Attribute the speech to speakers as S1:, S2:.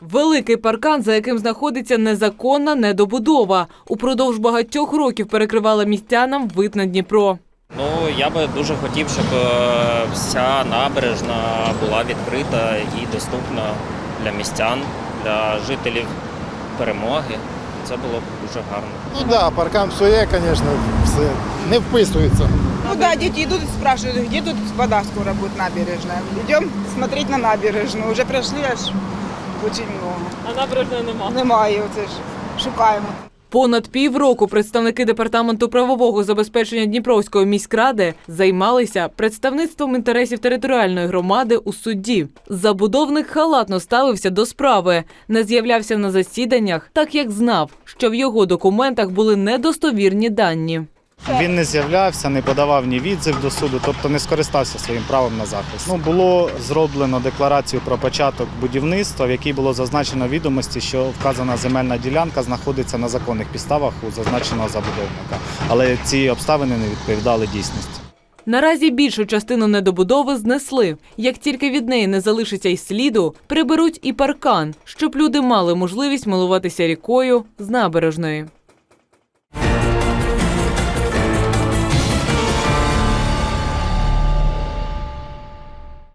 S1: Великий паркан, за яким знаходиться незаконна недобудова. Упродовж багатьох років перекривала містянам вид на Дніпро.
S2: Я би дуже хотів, щоб вся набережна була відкрита і доступна для містян, для жителів Перемоги. Це було б дуже гарно.
S3: Паркан псує, звісно, все не вписується.
S4: Дети идут и спрашивают, где тут вода скоро будет набережная. Идем смотреть на набережную. Уже прошли аж очень много.
S1: А набережної немає?
S4: Немає, оце ж шукаємо.
S1: Понад півроку представники Департаменту правового забезпечення Дніпровської міськради займалися представництвом інтересів територіальної громади у суді. Забудовник халатно ставився до справи, не з'являвся на засіданнях, так як знав, що в його документах були недостовірні дані.
S5: Він не з'являвся, не подавав ні відзив до суду, тобто не скористався своїм правом на захист. Було зроблено декларацію про початок будівництва, в якій було зазначено відомості, що вказана земельна ділянка знаходиться на законних підставах у зазначеного забудовника. Але ці обставини не відповідали дійсності.
S1: Наразі більшу частину недобудови знесли. Як тільки від неї не залишиться й сліду, приберуть і паркан, щоб люди мали можливість милуватися рікою з набережної.